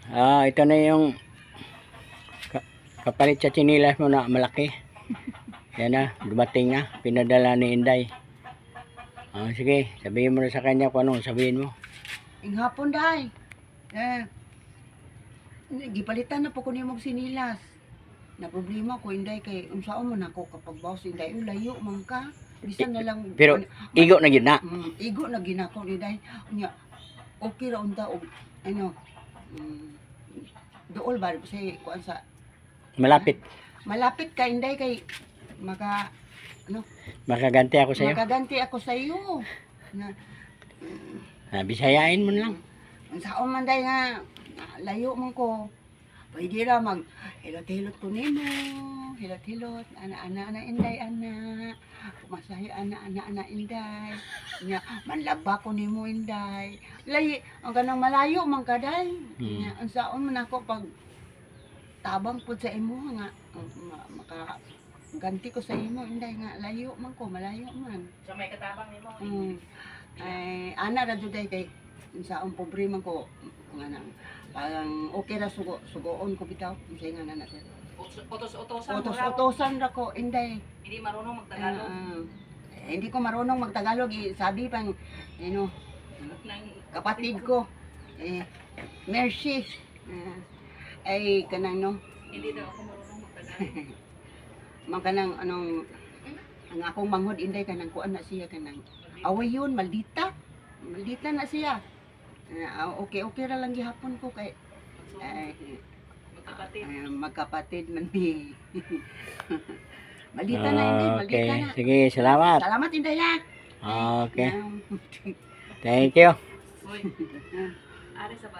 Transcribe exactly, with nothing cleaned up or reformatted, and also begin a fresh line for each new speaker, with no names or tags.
Ah, ito na yung ka kapalit sa chinilas mo na malaki. Yan na, dumating na. Pinadala ni Inday. Ah, sige, sabihin mo na sa kanya kung anong sabihin mo.
Ing hapon dahi. Eh, gipalitan na po ko nimong sinilas. Na problema ko Inday kay unsaon man ako kapag bawas Inday "Uy, layo man ka. Bisan na lang
Pero igo na gyud na.
mm, igo na ginako Inday. Unya okay ra unta og ano mm, dool ba sa kuan sa
Malapit.
malapit ka Inday kay maka ano
Makaganti ako sa iyo.
makaganti ako sa iyo. Na
Ah, bisayain mo na lang.
unsaon man day nga na- layo man ko. Pwede ra mag hilot-hilot ko nimo, hilot-hilot, ana-ana ana Inday ana. Masahi ana ana ana Inday. Nya manlaba ko nimo Inday. Lay ang kanang malayo man kaday.
Hmm.
Nya unsaon man ako pag tabang pud sa imo nga um, ma- maka ganti ko sa imo Inday nga layo man ko, malayo man.
Sa may katabang nimo.
Mm. Ay ana ra jud day kay unsaon pobre man ko nga nang parang okay ra sugo sugoon ko bitaw unsay nga na sir.
Utos-utosan.
Utos-utosan ra ko Inday.
Hindi marunong
Ah,
magtagalog.
ah. Eh, hindi ko marunong magtagalog eh, sabi pang you know,
Nang
kapatid ko eh Mercy. Ah, ay kanang no
hindi daw ako marunong magtagalog.
man kanang anong ang akong manghod Inday kanang kuan na siya kanang away yun maldita. Maldita na siya. Ah, okay okay ra lang gihapon ko kay ay
Magkapatid.
ay, magkapatid man ni. Maldita na Inday, maldita
Okay,
na.
sige, salamat.
Salamat Inday ha.
Okay,
Um,
thank you.
Uy. Ari sa